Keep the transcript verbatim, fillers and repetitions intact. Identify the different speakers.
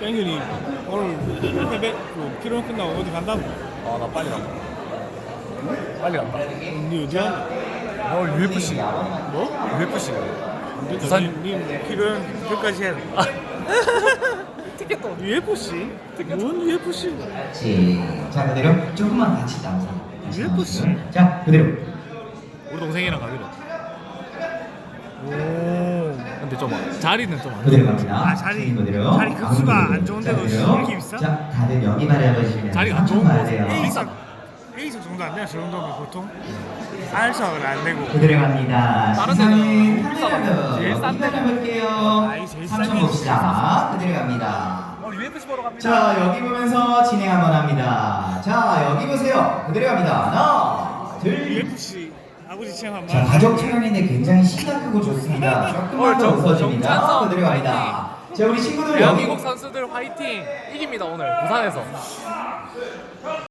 Speaker 1: 앵균이 오늘 패백 그 피로연 끝나고 어디 간다고?
Speaker 2: 아 나 빨리 간다. 빨리 간다.
Speaker 1: 니 어디 간다?
Speaker 2: 나 오늘 유에프씨.
Speaker 1: 뭐?
Speaker 2: 유에프씨.
Speaker 1: 부산
Speaker 2: 부산-
Speaker 1: 니 피로연 끝까지 해야 돼.
Speaker 2: 티켓도.
Speaker 1: 유에프씨? 뭔 유에프씨?
Speaker 3: 자 그대로 조금만 같이 나오세요. 다시
Speaker 1: 유에프씨?
Speaker 3: 나오시고요. 자 그대로.
Speaker 2: 우리 동생이랑 가기로.
Speaker 1: 오.
Speaker 2: 근데 좀 자리는 좀 안
Speaker 3: 그대로
Speaker 2: 돼.
Speaker 3: 갑니다.
Speaker 1: 아, 자리-
Speaker 3: 선생님 그대로.
Speaker 1: 자리 급수가
Speaker 3: 아무도
Speaker 1: 안 좋은데도
Speaker 3: 자, 그대로.
Speaker 1: 이렇게 비싸?
Speaker 3: 자 다들 여기 바라보시면
Speaker 2: 자리가 안 좋은
Speaker 3: 가야
Speaker 2: 곳.
Speaker 3: 돼요.
Speaker 1: A석 A석 정도 안 되나? 저 정도면 보통 R석은 안 되고.
Speaker 3: 그대로 갑니다.
Speaker 2: 다른
Speaker 3: 시상은
Speaker 2: 데는 너무 비싸다.
Speaker 3: 카메라로
Speaker 2: 제일 싼
Speaker 3: 여기까지
Speaker 2: 데는.
Speaker 3: 볼게요.
Speaker 1: 아이, 제일
Speaker 3: 삼천
Speaker 1: 싼 게
Speaker 3: 봅시다. 그대로 갑니다.
Speaker 2: 오늘 유에프씨 보러 갑니다.
Speaker 3: 자 여기 보면서 진행 한번 합니다. 자 여기 보세요. 그대로 갑니다. 하나, 둘.
Speaker 1: 유에프씨 아버지 체험 한
Speaker 3: 자
Speaker 1: 번.
Speaker 3: 가족 촬영인데 굉장히 시가 크고 좋습니다. 조금만 더
Speaker 2: 정-
Speaker 3: 웃어줍니다.
Speaker 2: 정찬성
Speaker 3: 그대로 갑니다. 자 우리 친구들 여기
Speaker 2: 대한민국 선수들 화이팅! 이깁니다 오늘 부산에서.